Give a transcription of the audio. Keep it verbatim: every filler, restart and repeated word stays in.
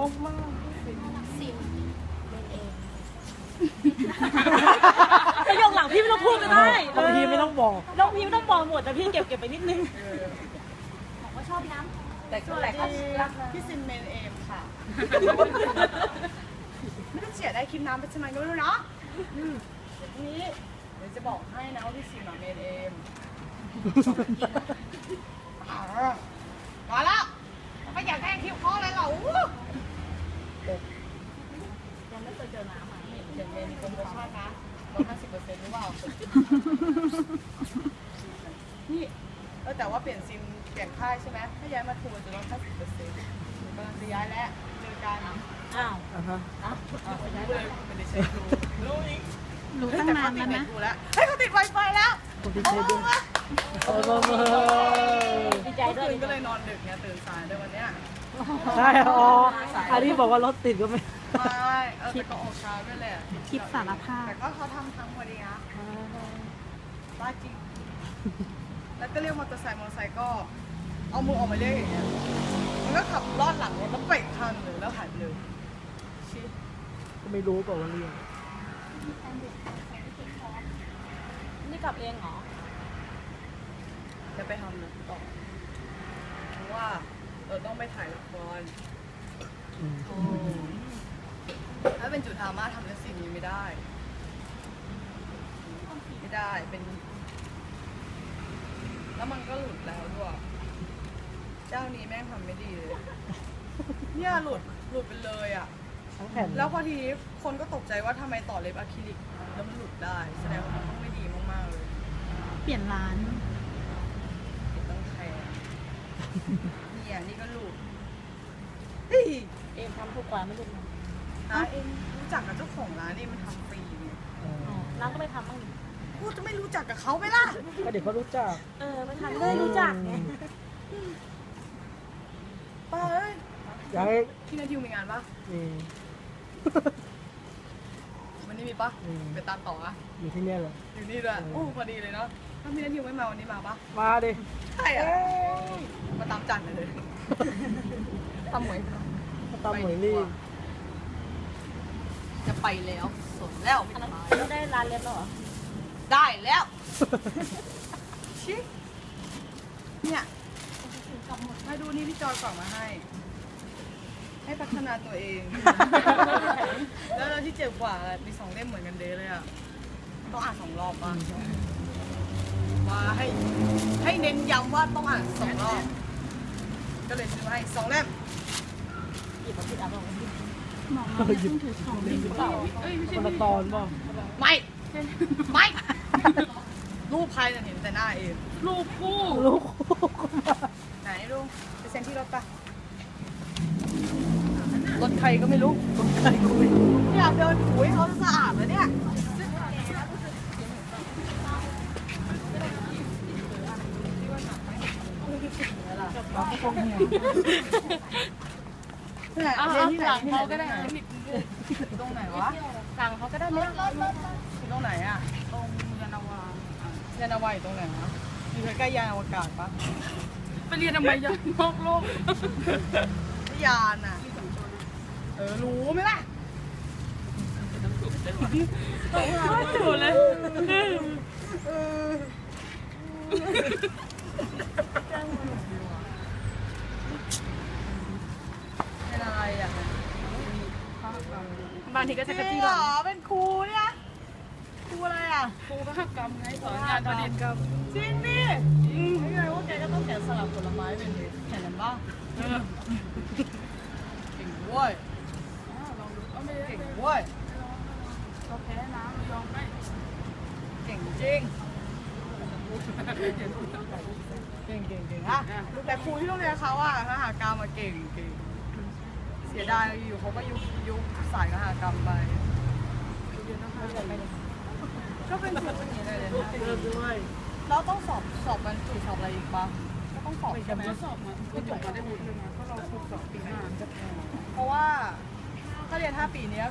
งมากซิมเป็นเองประโยคหลังพี่ไม่ต้องพูดก็ได้บางทีไม่ต้องบอกน้องพี่ไม่ต้องบอกหมดแต่พี่เก็บเก็บไปนิดนึงบอกว่าชอบน้ำแต่แต่ก็รักพี่ซิมเมนเอมค่ะไม่ต้องเสียได้คลิปน้ำเป็นสมัยก็ไม่รู้เนาะเดี๋ยวนี้เดี๋ยวจะบอกให้นะว่าพี่ซิมเมนเอมมาแล้วไม่อยากได้คิวข้อเลยเหรอยังไม่เคยเจอน้ำอ่ะเดี๋ยวมีโปรโมชั่นนะลดห้าสิบเปอร์เซ็นต์หรือเปล่านี่เออแต่ว่าเปลี่ยนซิมเปลี่ยนค่ายใช่ไหมถ้าย้ายมาทูจะลดห้าสิบเปอร์เซ็นต์กำลังจะย้ายแล้วเจอกันอ้าวอ่าฮะอ้าวย้ายเลยไม่ได้ใช้ดูรู้อีกรู้ตั้งนานแล้วนะเฮ้ยเขาติดไวไฟแล้วเขาติดไฟด้วยโอ้โหดีใจด้วยก็เลยนอนดึกเนี่ยตื่นสายด้วยวันเนี้ยใช่อ๋ออันนี้บอกว่ารถติดก็ไม่ไม่เออแต่ก็ออกเช้าด้วยแหละคลิปสารภาพแต่ก็เขาทำทั้งพอดีนะบ้าจริงแล้วก็เรียกมอเตอร์ไซค์มอเตอร์ไซค์ก็เอามือออกมาเรียกอย่างเงี้ยมันก็ขับลอดหลังรถแล้วเบรกทันเลยแล้วหายเลยชิก็ไม่รู้เปล่าว่าเรียกนี่กลับเองเหรอจะไปทำนะต่อเพราะว่าเราต้องไปถ่ายละครถ้าเป็นจุดดราม่าทำในสิ่งนี้ไม่ได้ไม่ได้เป็นแล้วมันก็หลุดแล้วด้วยเจ้านี้แม่งทำไม่ดีเลยเนี่ยหลุดหลุดไปเลยอ่ะแล้วพอทีนี้คนก็ตกใจว่าทำไมต่อเล็บอะคริลิกแล้วมันหลุดได้แสดงว่ามันต้องไม่ดีมากๆเลยเปลี่ยนร้านต้องแคร์เนี่ยนี่ก็หลุดเอ็มทำทุกวันไม่รู้นะเอ็มรู้จักกับเจ้าของร้านนี่มันทำฟรีเนี่ยร้านก็ไม่ทำบ้างพูดจะไม่รู้จักกับเขาไหมล่ะก็เดี๋ยวเขารู้จักเออไม่ทำเลยรู้จักไงป้าเอ้ยอยากให้พี่นาทิวมีงานปะมีวันนี้มีปะไปตามต่ออะอยู่ที่นี่เหรออยู่นี่ด้วยโอ้พอดีเลยเนาะถ้าพี่นาทิวไม่มาวันนี้มาปะมาดิใช่อะมาตามจันเลยทำหมวยตามหมวยนี่จะไปแล้วสดแล้วไม่ได้ร้านเล็บแล้วเหรอได้แล้วชิเนี่ยมาดูนี่พี่จอยกล่องมาให้ให้พัฒนาตัวเองแล้วเราที่เจ็บกว่ามีสองเล่มเหมือนกันเด้เลยอ่ะต้องอ่านสองรอบป่ะว่าให้ให้เน้นย้ำว่าต้องอ่านสองรอบก็เลยซื้อให้สองเล่มหยิบมาผิดอ่ะบอกหมอมาหยิบถือของเล่มเปล่าเอ้ยไม่ใช่คนละตอนป่ะไม่ไม่รูปใครจะเห็นแต่หน้าเองรูปคู่รูปคู่ไหนลุงไปเซ็นที่รถปะรถใครก็ไม่รู้รถใครก็ไม่รู้อยากเดินถูให้เขาสะอาดเลยเนี่ยเราก็คงเหนื่อยเนี่ยเรียนที่ไหนเขาก็ได้ตรงไหนวะสั่งเขาก็ได้เนี่ยตรงไหนอ่ะตรงยานาวายานาวาอยู่ตรงไหนวะอยู่ใกล้ๆยานอวกาศปะไปเรียนทำไมยานนอกโลกยานอ่ะเออรู้ไหมล่ะถูกเลยเป็นอะไรอ่ะบางทีก็จะกระจี้หรอเป็นครูเนี่ยครูอะไรอ่ะครูภาคกรรมไงสอนงานประดิษฐ์กรรมจริงดิไม่ไงว่าแกก็ต้องแกะสลักผลไม้เป็นแข่งกันบ้างเก่งด้วยเก่งด้วยเราแพ้นะเรายอมได้เก่งจริงเก่งเก่งเก่งอ่ะแต่ครูที่โรงเรียนเขาอ่ะคหกรรมมาเก่งเก่งเสียดายอยู่เขาก็ยุบยุบสายคหกรรมไปก็เป็นจุดนี้เลยนะด้วยเราต้องสอบสอบบรรจุสอบอะไรอีกปะก็ต้องสอบใช่ไหมสอบมาก็จบมาได้หมดเลยนะเพราะเราครบสอบปีหน้าจะพอเพราะว่าถ้าเรียนห้าปีนี้